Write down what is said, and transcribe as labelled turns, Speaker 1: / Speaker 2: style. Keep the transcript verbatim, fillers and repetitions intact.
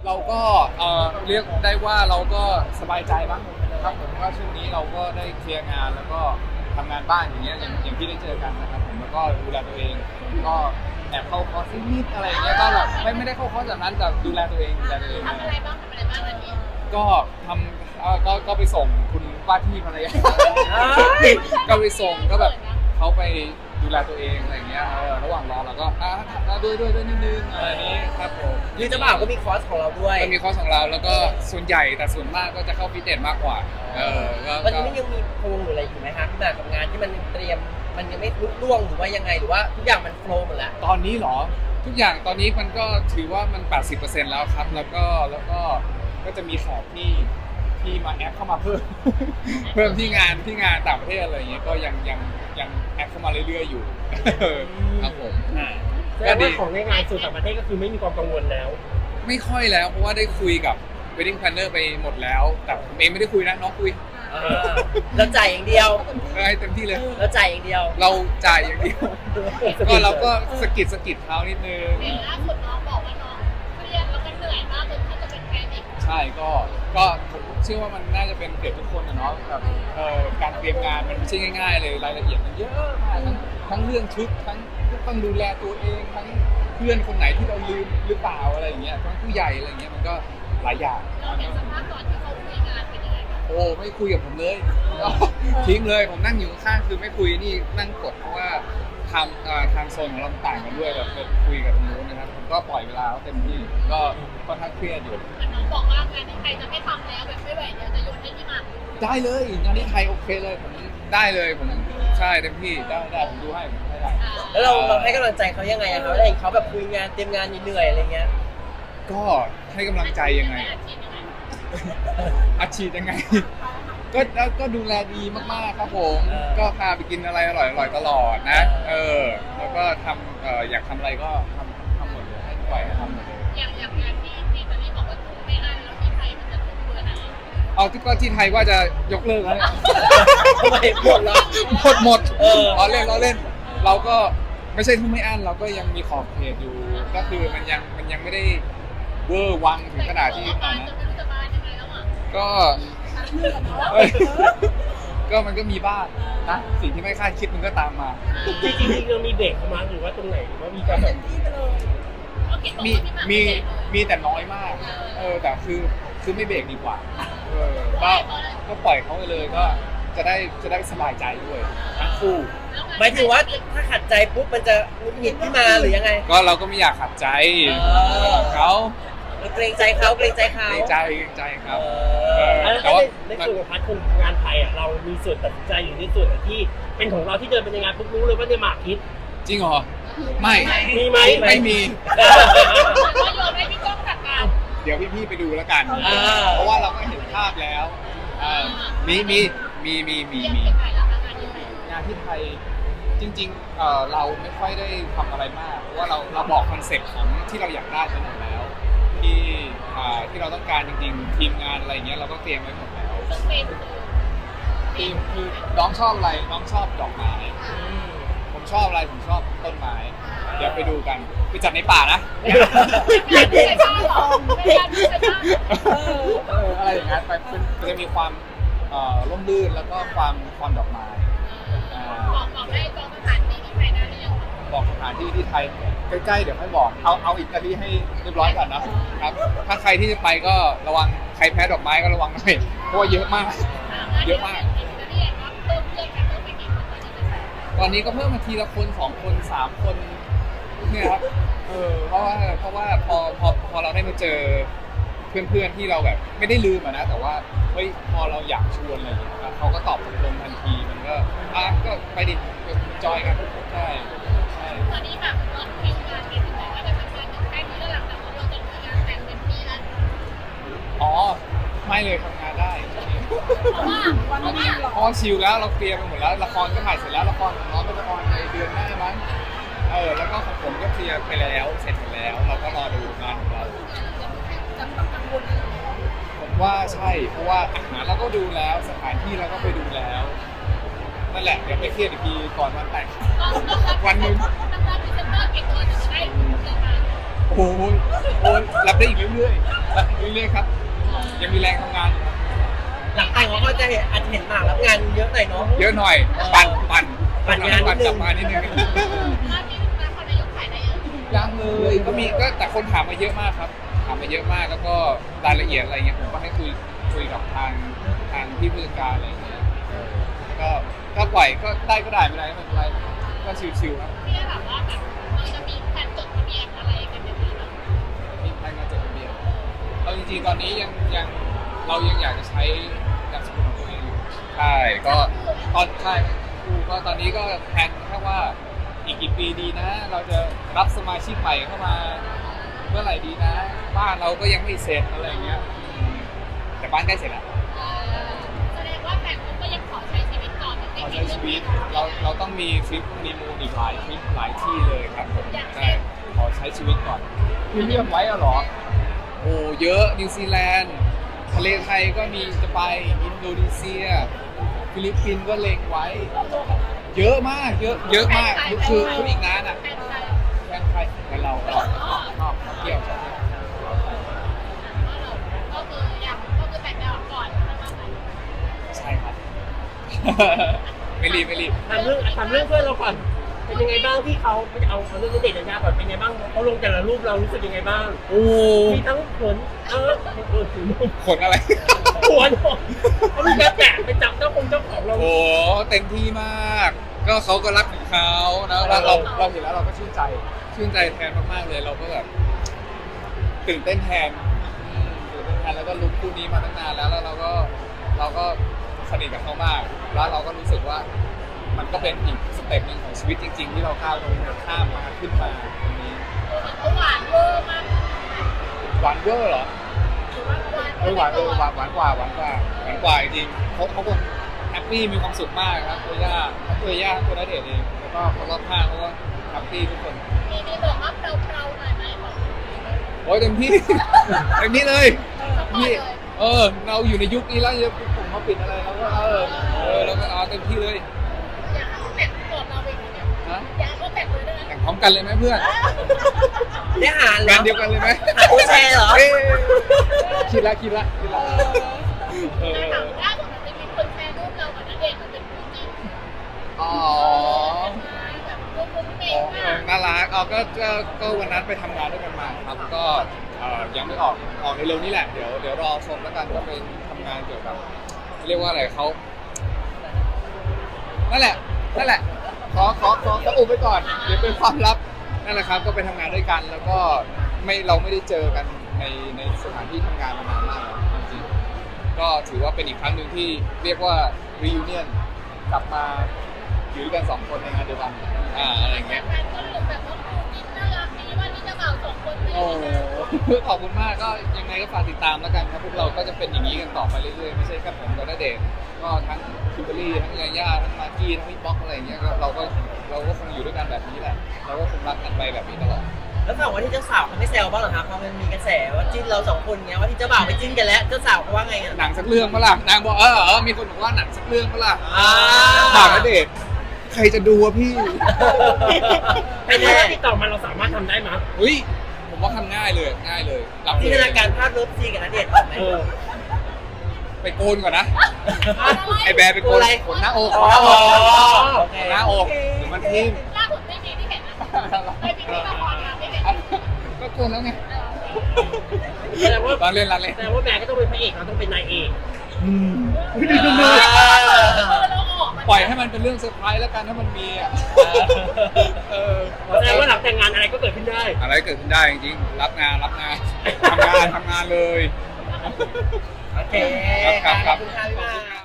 Speaker 1: เราก็เอ่อเรียกได้ว่าเราก็สบายใจบ้างนะครับผมว่าช่วงนี้เราก็ได้เคลียร์งานแล้วก็ทำงานบ้านอย่างเงี้ยอย่างอย่างที่ได้เจอกันนะครับผมแล้วก็ดูแลตัวเองก็แอบเข้าคอร์สนิดอะไรอย่างเงี้ยก็แบบไม่ไม่ได้เข้าคอร์สแบบนั้นแต่ดูแลตัวเองดูแลตัวเอง
Speaker 2: ทำอะไรบ้างทำอะไรบ้างวันนี้
Speaker 1: ก็ทำเอ่อก็ก็ไปส่งคุณว่าที่ภรรยาก็ไปส่งก็แบบเขาไปดูแลตัวเองอะไรอย่างเงี้ยเออระหว่างรอเราก็อ่ะอ่ะด้วยด้วยด้วยนิดนึงอะไรนี้ครับผม
Speaker 3: หรือเจ้าบ่าวก็มีคอร์สของเราด้วย
Speaker 1: ก็มีคอร์สของเราแล้วก็ส่วนใหญ่แต่ส่วนมากก็จะเข้าฟิตเนสมากกว่าเออก็
Speaker 3: วัน
Speaker 1: ก็
Speaker 3: นี้มันยังมีโครงหรืออะไรอยู่ไหมคะพี่หมากกับงานที่มันเตรียมมันยังไม่ลุล่วงหรือว่ายังไงหรือว่าทุกอย่างมันโฟล์หมดแล้ว
Speaker 1: ตอนนี้เหรอทุกอย่างตอนนี้มันก็ถือว่ามัน แปดสิบเปอร์เซ็นต์ แล้วครับแล้วก็แล้วก็ก็จะมีแขกที่ที่มาแอดเข้ามาเพิ่ม เพิ่มที่งานที่งานต่างประเทศอะไรอย่างเงี้ยก็ยังยังยังแอดเข้ามาเรื่อยๆอยู่ ครับผม
Speaker 4: อ่าแสดงว่าของในงานสู่ต่างประเทศก็คือไม่มีความกังวลแล้ว
Speaker 1: ไม่ค่อยแล้วเพราะว่าได้คุยกับ wedding planner ไปหมดแล้ว แต่ผมเองไม่ได้คุยนะน้องคุย
Speaker 3: เราจ่ายอย่างเดียว
Speaker 1: ให้เต็มที่เลย
Speaker 3: เราจ่ายอย่างเดียว
Speaker 1: เราจ่ายอย่างเดียว ก็เราก็สะกิดสะกิดเท้านิดนึง
Speaker 2: เห็นล่าสุดน้องบอกว่าน้องเครียดแล้วก็เหนื่อยมากจนถ้าจะเป็นแพนิค
Speaker 1: ใช่ก็ก็ผมเชื่อว่ามันน่าจะเป็นเกือบทุกคนนะเนาะแบบเอ่อการเตรียมงานมันไม่ใช่ง่ายๆเลยรายละเอียดมันเยอะมากทั้งทั้งเรื่องชุดทั้งต้องดูแลตัวเองทั้งเพื่อนคนไหนที่เราลืมหรือเปล่าอะไรอย่างเงี้ยทั้งผู้ใหญ่อะไรอย่างเงี้ยมันก็หลายอย่าง
Speaker 2: เราเห็นสภาพตอนที่เขาคุยงานเป็นยังไงบ้าง
Speaker 1: โอ้ไม่คุยกับผมเลยทิ้งเลยผมนั่งอยู่ข้างๆคือไม่คุยนี่นั่งกดเพราะว่าทำเอ่อทางโซนของเราต่างกันด้วยแบบคุยกับตรงนู้นนะครับผมก็ปล่อยเวลาเขาเต็มที่ก็ค่อนข้างเครียดอยู่
Speaker 2: แต่น้องบอกว่างานที่ไทยจะไม่ทำแล้วแบบไม่ไหวเดี๋ยวจะโยนให้พี่หมาก
Speaker 1: ได้เลยงานที่ไทยโอเคเลยผมได้เลยผมใช่เต็มที่ได้ได้ผมดูให้ผมให้ได้
Speaker 3: แล้วเราเราให้กำลังใจเขายังไงอะคะได้เห็นเขาแบบคุยงานเตรียมงานเหนื่อยๆอะไรเงี้ย
Speaker 1: ก็ให้กำลังใจยังไง
Speaker 2: อาชีพยังไง
Speaker 1: อาชีพยังไง ก็แล้วก็ดูแลดีมากๆครับผม
Speaker 3: เออ
Speaker 1: ก็พาไปกินอะไรอร่อยๆตลอดนะ
Speaker 3: เอ
Speaker 1: เอ
Speaker 3: อ
Speaker 1: อ แล้วก็ทำเอ่ออยากทำอะไรก็ทำทำหมดเลยให้ปล่อยให้ทำหมดเลย
Speaker 2: อย่างอย่างงานที่ที่ตอนนี้บอกว่าทุ่มไม่อั้นแล้วที่ไทยมันจะทุ่มเบอร์ไหน
Speaker 1: เอาที่ก็ที่ไทยว่าจะยกเลิกแล้วเนี่ย
Speaker 3: ทำไมหมดแล้ว
Speaker 1: หมดหมด
Speaker 3: เออ
Speaker 1: เราเล่นเราเล่น เราก็ไม่ใช่ทุ่มไม่อั้นเราก็ยังมีขอบเขตอยู่ ก็คือมันยังมันยังไม่ได้เวอร์วังถึงขนาดที่
Speaker 2: แต่
Speaker 1: อ่า
Speaker 2: บาน
Speaker 1: นะ
Speaker 2: จะไม่รู้จะบานยังไงแล้วอ่ะ
Speaker 1: ก็เอ้ยก็มันก็มีบ้างนะสิ่งที่ไม่คาดคิดมันก็ตามมา
Speaker 4: จริงๆจริงๆเรามีเบรกเขามาหรือว่าตรงไหนหรือว่ามีการแบบ
Speaker 2: โอเคบอก
Speaker 1: มี
Speaker 2: ว่าพี่หมาก
Speaker 1: มี
Speaker 2: ไเจ็บเลย
Speaker 1: มีแต่น้อยมาก เออแต่คือคือไม่เบรกดีกว่า เออก็ก็ปล่อยเขาไปเลยก็จะได้จะได้สบายใจด้วยทั้งคู่
Speaker 3: หมายถึงว่าถ้าขัดใจปุ๊บมันจะหงุดหงิดขึ้นมาหรือยังไง
Speaker 1: ก็เราก็ไม่อยากขัดใจ
Speaker 3: เออ
Speaker 1: เขา
Speaker 3: เราเกรงใจเขาเกรงใจเขา
Speaker 1: เกรงใจเกรงใจครับ
Speaker 3: เออ
Speaker 4: แล้ว
Speaker 1: แต่
Speaker 4: ถ้า
Speaker 1: ว่า
Speaker 4: ในในส่วนของพาร์ทคนงานไทยอ่ะเรามีส่วนตัดสินใจอยู่ในส่วนที่เป็นของเราที่เดินไปในงานปุ๊บรู้เลยว่าเนี่ยหมากคิด
Speaker 1: จริงเหรอ ไม่
Speaker 4: มีไหม
Speaker 1: ไม่มี
Speaker 2: ก็โยนให้พี่ก้องจัดการ
Speaker 1: เดี๋ยวพี่ๆไปดูแล้วกัน
Speaker 3: อ่า
Speaker 1: เพราะว่าเราก็เห็นภาพแล้วเออมีมีมีมีมี
Speaker 2: เรียก
Speaker 1: มี
Speaker 2: ที่ไทยแล้วงานที่ไทย
Speaker 1: งานที่ไทยจริงๆเอ่อเราไม่ค่อยได้ทำอะไรมากเพราะว่าเราเราบอกคอนเซ็ปต์ของที่เราอยากได้ไปหมดแล้ว ที่อ่าที่เราต้องการจริงๆ ทีมงานอะไรเงี้ยเราก็เตรียมไว้หมดแล้ว
Speaker 2: ซึ่งเป็นคือ
Speaker 1: ทีมคือน้องชอบอะไรน้องชอบดอกไม้ผมชอบอะไรผมชอบต้นไม้ เดี๋ยวไปดูกันไปจัดในป่านะ
Speaker 2: งานที่ไทยบ้านเหรอเป็นงานที่ไทยบ้าน
Speaker 1: เอออะไรอย่างนั้นไปเป็นมันจะมีความเอ่อร่มรื่นแล้วก็ความความดอกไม้อ่า
Speaker 2: บอกบอกได้จองสถานที่ที่ไทยได้หรือยัง
Speaker 1: บอกสถานที่ที่ไทยใกล้ๆเดี๋ยวให้บอกเอาเอาอีกนาทีให้เรียบร้อยก่อนนะครับ ถ้าใครที่จะไปก็ระวังใครแพ้ดอกไม้ก็ระวังหน่อยเพราะว่าเยอะมาก เยอะมาก
Speaker 2: ที่อยากรับเพิ่มเพื่อนกันเพิ่มไปกี่คนตอนนี้จะใส่
Speaker 1: ตอนนี้ก็เพิ่มมาทีละคนสองคนสามคนเนี่ยครับเออเพราะว่าเพราะว่าพอพอพอเราได้มาเจอเพื่อนๆที่เราแบบไม่ได้ลืมอะนะแต่ว่าเฮ้ยพอเราอยากชวนอะไรอย่างเงี้ยครับเขาก็ตอบตรงๆทันทีมันก็อ่ะก็ไปดิจอยกันใช่ใช่
Speaker 2: ตอนนี้แบบลดคิวงานไปถึงไหนว่าจะทำงานถึงแค่นี้แล้วหลังจากนี้เราจะมีงานแต่งเต็มที่แล้ว
Speaker 1: อ๋อไม่เลยทำงานได้
Speaker 2: เพราะว่าเพราะว่า
Speaker 1: เพราะว่าชิลแล้วเราเคลียร์ไปหมดแล้วละครก็ถ่ายเสร็จแล้วละครของน้องก็จะออนในเดือนหน้ามั้งเออแล้วก็ของผมก็เคลียร์ไปแล้วเสร็จหมดแล้ว เราก็รอดูงานของเรา
Speaker 2: จะต้องกังวลอะไร
Speaker 1: ผมว่าใช่เพราะว่าอาหารเราก็ดูแล้วสถานที่เราก็ไปดูแล้วนั่นแหละเดี๋ยวไปเครียดอีกทีก่อนวันแต่ง วันหนึ่ง
Speaker 2: ต้องรับพรีเซนเตอร์เก่งตัวจะได้เจอมา
Speaker 1: โอ้โหโอ้ยรับได้อีกเรื่อยเรื่อยๆครับยังมีแรงทำงานอยู่ครับ
Speaker 3: หลังแต่งเราก็จะเห็นอาจจะเห็นหมากรับงานเยอะหน่อยเนาะ
Speaker 1: เยอะหน่อยปั่นปั่น
Speaker 3: ปั่นงานนิ
Speaker 1: ปั่
Speaker 3: ด
Speaker 1: น
Speaker 3: นึง
Speaker 1: กลับมานิดนึง
Speaker 2: ภาพที่นครนายกถ่ายได้ยัง
Speaker 1: ยังเลยก็มีก็แต่คนถามมาเยอะมากครับถามมาเยอะมากแล้วก็รายละเอียดอะไรเงี้ยผมก็ให้คุยคุยกับทางทางพี่ผู้จัดการอะไรเงี้ยก็ก็ปล่อยก็ได้ก็ได้ไม่ได้ไม่เป็นไรก็ชิวๆครับ
Speaker 2: ที่แบบว่าแบบเราจะมีแผนจดทะเบียนอะไรกันอย่างนี้แบบ
Speaker 1: มีใครมาจดทะเบียนเอาจริงๆตอนนี้ยังยังเรายังอยากจะใช้นามสกุลของตัวเองอยู่ใช่ก็ตอนใช่ครูก็ตอนนี้ก็แผนแค่ว่าอีกกี่ปีดีนะ เราจะรับสมาชิกใหม่เข้ามาเมื่อไหร่ดีนะ บ้านเราก็ยังไม่เสร็จอะไรอย่างเงี้ยอืมแต่บ้านใกล้เสร็จแล้ว
Speaker 2: เอ่อแสดงว่าแผนคุณก็ยังขอใช้ชีวิตต่อแต่
Speaker 1: ขอ
Speaker 2: ไม่
Speaker 1: ใช้ชีวิตเราเราต้องมีทริปมีมูลอีกหลายทริปหลายที่เลยครับผมใช่ขอใช้ชีวิตก่อนคือเลือกไว้อะเหรอ โอ้เยอะนิวซีแลนด์ทะเลไทยก็มีจะไปอินโดนีเซีย ฟิลิปปินส์ก็เล็งไว้ เยอะมากเยอะเยอะมากคือคือคืออีกนานอ่ะ
Speaker 2: แผนใช้
Speaker 1: แฟนใครแฟนเราชอบชอบเที่ยวชอบเที่ยว
Speaker 2: ก็คืออยากก็คือแต่งงานก่อนแล้วก็แต่ง
Speaker 1: ใช่ครับ ไม่รีบไม่รีบ
Speaker 4: ทำเรื่องทำเรื่องเพื่อนเราก่อน เป็นยังไงบ้างที่เขาเอาเอาเรื่องณเดชน์ยายาก่อนเป็นยังไงบ้างเขาลงแต่ละรูปเรารู้สึกยังไงบ้าง
Speaker 1: โอ้
Speaker 4: มีทั้งขนเออเออถือรูป
Speaker 1: ขนอะไร
Speaker 4: หัวโดนเขามีการแตะไปจับเจ้าคงเจ้าของเรา
Speaker 1: โอ้เต็มที่มาก ก็เขาก็รักของเขานะเราเราเราเห็นแล้วเราก็ชื่นใจ ชื่นใจแทนมากๆเลย เราก็แบบตื่นเต้นแทนอืมตื่นเต้นแทนแล้วก็ลุ้นคู่นี้มาตั้งนานแล้วแล้วเราก็เราก็สนิทกับเขามาก แล้วเราก็รู้สึกว่ามันก็เป็นอีกสเต็ปหนึ่งของชีวิตจริง ๆ ที่เราก้าวลงข้ามมาขึ้นมาตรงนี้
Speaker 2: เขาหวานเวอร์มาก
Speaker 1: หวานเวอร์เหรอ
Speaker 2: หรือว่าหวาน
Speaker 1: เออหวานเออหวานหวานกว่าหวานกว่าหวานกว่าจริงๆเขาเขาคงแฮปปี้มีความสุขมากครับตัวย่าทั้งตัวย่าทั้งตัวณเดชน์เองแล้วก็คนรอบข้างเขาก็แฮปปี้ทุกคน
Speaker 2: มีมีบอกว่าเราๆหน่อยไหมบอก
Speaker 1: โอ้ยเต็มที่ เต็มที่เลย
Speaker 2: สปอร์ต
Speaker 1: นี่
Speaker 2: เลย
Speaker 1: เออเราอยู่ในยุคนี้แล้วจะผมมาปิดอะไรเราก็เออเออเราก็เอาเต็มที่เลย
Speaker 2: อยากให้เขาแต่งก่อนเราอีกเนี่ย
Speaker 1: นะ
Speaker 2: อยากให้เขาแต่งเลยได้ไหม
Speaker 1: แต่งพร้อมกันเลยไหมเพื่อน
Speaker 3: ได้หารเหร
Speaker 1: งา
Speaker 3: อน
Speaker 1: เดียวกันเลยไหม
Speaker 3: หาผู้แชร์เหรอ
Speaker 1: เอ้ยคิดละคิดละคิดละเออ
Speaker 2: แต่ถามว่าผมจะมีคนแชร์รูปเรากับณเดชน์มันเป็นคู่จริง
Speaker 1: อ๋อ
Speaker 2: แบบรูปมุ้งเม
Speaker 1: อ๋
Speaker 2: ง
Speaker 1: อ
Speaker 2: มาก
Speaker 1: น่ารักอ๋อก็ก็ก็วันนั้นไปทำงานด้วยกันมาครับ ก็เอ่อยังไม่ออกออกในเร็วนี้แหละ เดี๋ยวเดี๋ยวรอชมแล้วกันก็เป็นทำงานเกี่ยวกับเรียกว่าอะไรเขานั่นแหละ นั่นแหละ ขอขอขอขออุบไว้ก่อน เดี๋ยวเป็นความลับ นั่นแหละครับ ก็ไปทำงานด้วยกัน แล้วก็ไม่เราไม่ได้เจอกันในในสถานที่ทำงานมานานมากแล้วจริงๆก็ถือว่าเป็นอีกครั้งหนึ่งที่เรียกว่า reunion กลับมาอยู่ด้วยกันสองคนในงานเดียวกัน อ่า อะไรอย่างเงี้ย
Speaker 2: แฟนก็รู้แบบว่าคู่จิ้นน่ารักดีว่านี่เจะบ่าวสองคนไม่
Speaker 1: โอ้
Speaker 2: ได้
Speaker 1: โหขอบคุณมากก็ยังไงก็ฝากติดตามแล้วกันครับพวกเราก็จะเป็นอย่างนี้กันต่อไปเรื่อยๆไม่ใช่แค่ผมกับณเดชน์ก็ทั้งคิมเบอรรี่ทั้งยาย่าทั้งมากกี้ทั้งพี่ป๊อกอะไรอย่างเงี้ยก็เราก็เราก็คงอยู่ด้วยกันแบบนี้แหละเราก็คงรักกันไปแบบนี้ตลอด
Speaker 3: แล้วฝั่งว่าที่เจ้าสาวเขาไม่แซวบ้างเหรอครับเพราะมันมีกระแสว่าจิ้นเราสองคนเงี้ยว่าที่เจ้าบ่าวไปจิ้นกันแล้วเจ้าสาวเขาว่าไงอ่ะ
Speaker 1: หนังสักเรื่องปะล่ะนางบอกเออเออมีคนบอกว่าหนังสักเรื่องปะล่ะ
Speaker 3: อ่า
Speaker 1: ฝากณเดชน์ใครจะดูวะพี่
Speaker 4: ไอ้ถ้าติดต่อมาเราสามารถทำได้ไหมย
Speaker 1: เฮ้ยผมว่าทำง่ายเลยง่ายเลยรับ
Speaker 3: จิน
Speaker 1: เล
Speaker 3: ต
Speaker 1: ย
Speaker 3: นาการภาพเลิฟซีนกับณเดชน์ออกไหม
Speaker 4: เออ
Speaker 1: ไปโกนก่อนนะไอแบร์ไปโกน
Speaker 3: อะไร
Speaker 1: ขนหน้าอก
Speaker 3: อ๋อ
Speaker 1: ขนหน้าอกเดี๋ยวมันทิ่ม
Speaker 2: ล่าสุดไม่มีที่เห็นนะไม่มีที่ละครนะไม่เห็น
Speaker 1: ก็โกนแล้วไง
Speaker 4: แสดงว่า
Speaker 1: ตอนเล่นรันเล่น
Speaker 4: แสดงว่าแบร์ก็ต้องเป็นพระเอกเราต้องเป็นนายเอก
Speaker 1: ปล่อยให้มันเป็นเรื่องเซอร์ไพรส์แล้วกันถ้ามันมีอ่ะเออ
Speaker 4: แสดงว่าหลังแต่งงานอะไรก็เกิดขึ้นได้
Speaker 1: อะไรเกิดขึ้นได้จริงๆรับงานรับงานทำงานทำงานเลย
Speaker 3: โอเค
Speaker 1: ครับครับ
Speaker 3: ขอบคุณค่ะพี่มา